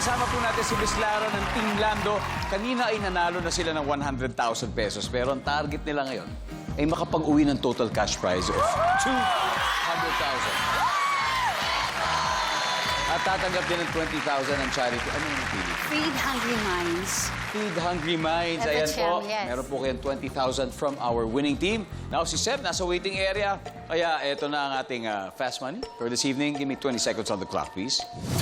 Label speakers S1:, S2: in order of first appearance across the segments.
S1: kasama po natin si Miss Lara ng Team Lando. Kanina ay nanalo na sila ng 100,000 pesos. Pero ang target nila ngayon ay makapag-uwi ng total cash prize of 200,000. At tatanggap din ng 20,000 ang charity. Ano yung napili?
S2: Feed Hungry Minds.
S1: Feed Hungry Minds.
S2: At the
S1: Ayan po.
S2: Chem, yes.
S1: Meron po kayong 20,000 from our winning team. Now, si Seb nasa waiting area. Kaya eto na ang ating fast money for this evening. Give me 20 seconds on the clock, please.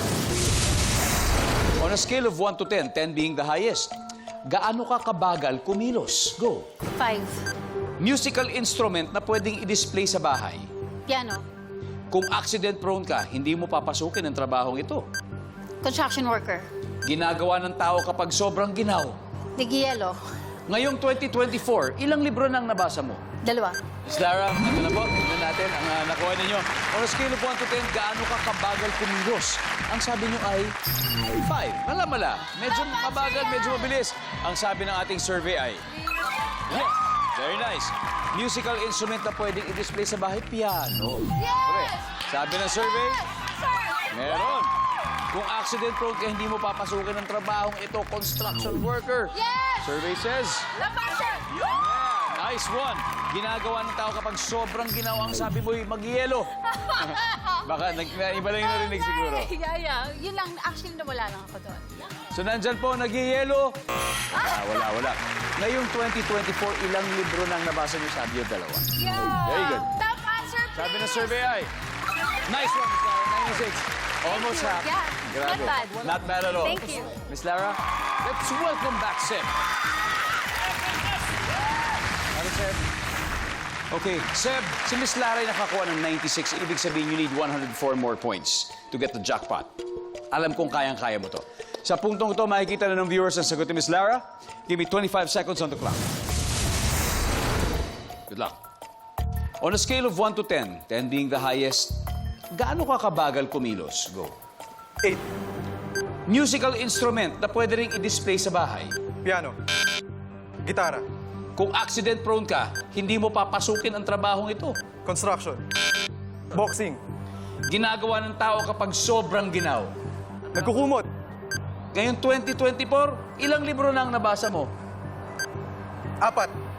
S1: On a scale of 1 to 10, 10 being the highest, gaano ka kabagal kumilos? Go.
S2: 5.
S1: Musical instrument na pwedeng i-display sa bahay.
S2: Piano.
S1: Kung accident prone ka, hindi mo papasukin ang trabahong ito.
S2: Construction worker.
S1: Ginagawa ng tao kapag sobrang ginaw.
S2: Nigiyelo.
S1: Ngayong 2024, ilang libro nang nabasa mo?
S2: 2.
S1: Miss Lara, ito na po. Tignan natin ang nakuha ninyo. On a scale of 1 to 10, gaano ka kabagal kumilos? Ang sabi nyo ay 5. Mala-mala. Medyo mabagal, medyo mabilis. Ang sabi ng ating survey ay... Yeah. Very nice. Musical instrument na pwedeng i-display sa bahay, piano. Correct. Sabi ng survey, meron. Kung accident prone ka, hindi mo papasukin ang trabahong ito, construction worker.
S2: Yes!
S1: Survey says... Yeah, nice one. Ginagawa ng tao kapag sobrang ginawa ang sabi mo'y mag-yelo. Baka iba lang yung narinig siguro.
S2: Yeah. Yun lang. Actually, nawala lang ako doon.
S1: So, nandyan po, nag-yelo. Wala. Ngayong 2024, ilang libro nang nabasa niyo? Sabi yung 2.
S2: Yeah!
S1: Very good.
S2: Top answer, please!
S1: Sabi ng survey ay... Nice one, Miss Lara. 96. Almost half.
S2: Yeah,
S1: Grabe.
S2: not bad.
S1: Not bad at all.
S2: Thank you.
S1: Miss Lara, let's welcome back Seb. Ano, Seb? Okay, Seb, si Miss Lara ay nakakuha ng 96. Ibig sabihin, you need 104 more points to get the jackpot. Alam kong kayang-kaya mo to. Sa puntong ito, makikita na ng viewers ang sagot ni Miss Lara. Give me 25 seconds on the clock. Good luck. On a scale of 1 to 10, 10 being the highest, gaano ka kabagal kumilos? Go.
S3: 8.
S1: Musical instrument na pwede rin i-display sa bahay.
S3: Piano. Gitara.
S1: Kung accident prone ka, hindi mo papasukin ang trabahong ito.
S3: Construction. Boxing.
S1: Ginagawa ng tao kapag sobrang ginaw.
S3: Nagkukumot.
S1: Ngayon 2024, ilang libro na ang nabasa mo?
S3: 4.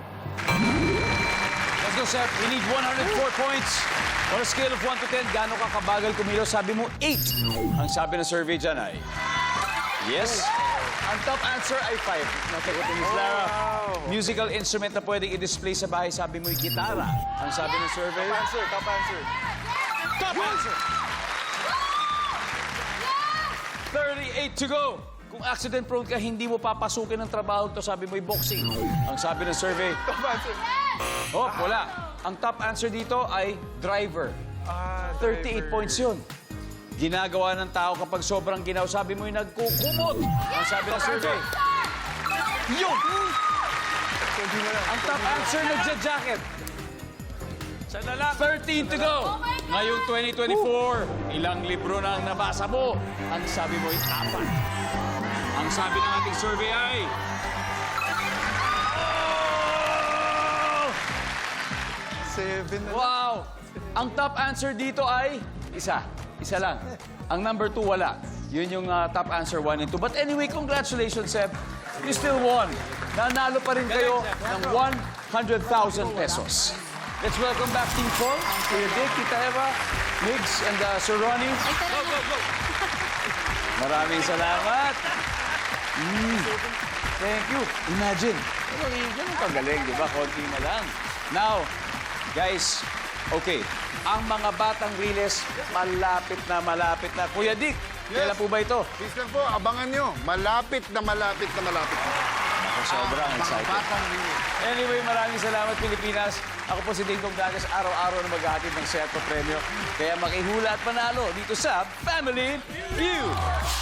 S1: Let's go, Seth. We need 104 points. On a scale of 1 to 10, gaano ka kabagal kumilos? Sabi mo, 8. Ang sabi ng survey dyan ay... Yes. Ang top answer ay 5. Nasagot ni Miss Lara. Musical instrument na pwedeng i-display sa bahay, sabi mo, gitara. Ang sabi ng survey...
S3: Top answer.
S1: Top answer! 38 to go. Kung accident prone ka, hindi mo papasukin ang trabaho to, sabi mo'y boxing. Ang sabi ng survey...
S3: Top answer.
S1: Oh, wala. Ang top answer dito ay driver. 38 points yun. Ginagawa ng tao kapag sobrang ginaw, sabi mo'y nagkukumot. Ang sabi ng survey... Yun! Ang top answer, nagja-jacket. 13 to go. Ngayong 2024, ilang libro na ang nabasa mo? Ang sabi mo ay 4. Ang sabi ng ating survey ay... Oh!
S3: 7 na.
S1: Wow! Ang top answer dito ay... Isa lang. Ang number 2, wala. Yun yung top answer 1 and 2. But anyway, congratulations, Seb. You still won. Nanalo pa rin kayo ng 100,000 pesos. Let's welcome back Team Paul, Kuya Dick, Tita Eva, Migs, and Sir Ronnie.
S2: Go.
S1: Maraming salamat. Thank you. Imagine. Ganun kagaling, di ba? Konti na lang. Now, guys, okay. Ang mga batang Riles, malapit na. Kuya Dick, kailan po ba ito?
S4: Please lang po, abangan nyo. Malapit na.
S1: Ako sobrang excited.
S4: Batang rin.
S1: Anyway, maraming salamat, Pilipinas. Ako po si Dingdong Dagas, araw-araw na maghahatid ng Serto Premyo. Kaya makihula at panalo dito sa Family Feud.